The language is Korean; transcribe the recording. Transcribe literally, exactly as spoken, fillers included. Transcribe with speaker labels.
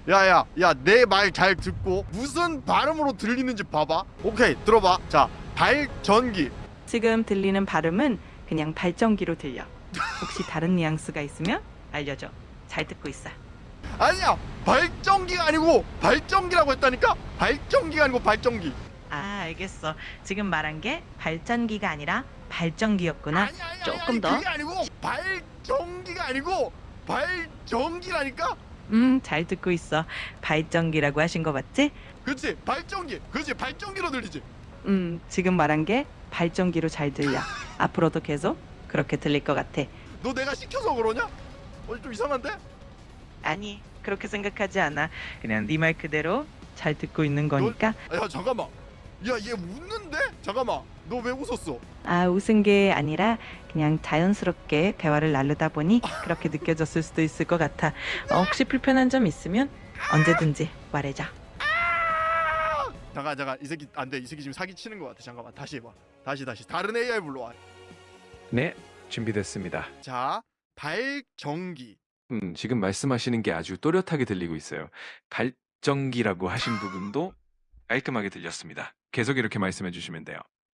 Speaker 1: 야야 야 내 말 잘 듣고 무슨 발음으로 들리는지 봐봐. 오케이 들어봐. 자 발전기.
Speaker 2: 지금 들리는 발음은 그냥 발전기로 들려. 혹시 다른 뉘앙스가 있으면 알려줘. 잘 듣고 있어.
Speaker 1: 아니야 발전기가 아니고 발전기라고 했다니까. 발전기가 아니고 발전기.
Speaker 2: 아, 알겠어. 지금 말한 게 발전기가 아니라 발전기였구나.
Speaker 1: 아니 아니
Speaker 2: 조금
Speaker 1: 아니,
Speaker 2: 더.
Speaker 1: 그게 아니고 발전기가 아니고 발전기라니까.
Speaker 2: 음, 잘 듣고 있어. 발전기라고 하신 거 맞지?
Speaker 1: 그렇지 발전기. 그렇지 발전기로 들리지.
Speaker 2: 음, 지금 말한 게 발전기로 잘 들려. 앞으로도 계속 그렇게 들릴 것 같아.
Speaker 1: 너 내가 시켜서 그러냐? 어, 좀 이상한데?
Speaker 2: 아니, 그렇게 생각하지 않아. 그냥 네 말 그대로 잘 듣고 있는 거니까.
Speaker 1: 아, 야 잠깐만. 야 얘 웃는데? 잠깐만. 너 왜 웃었어?
Speaker 2: 아, 웃은 게 아니라 그냥 자연스럽게 대화를 나누다 보니 그렇게 느껴졌을 수도 있을 것 같아. 어, 혹시 불편한 점 있으면 언제든지 말해줘.
Speaker 1: 잠깐 잠깐 이 새끼 안 돼. 이 새끼 지금 사기 치는 것 같아. 잠깐만 다시 해봐. 다시 다시 다른 에이아이 불러와.
Speaker 3: 네, 준비됐습니다.
Speaker 1: 자 발전기.
Speaker 3: 음, 지금 말씀하시는 게 아주 또렷하게 들리고 있어요. 발전기라고 하신 부분도 깔끔하게 들렸습니다. 계속 이렇게 말씀해 주시면 돼요.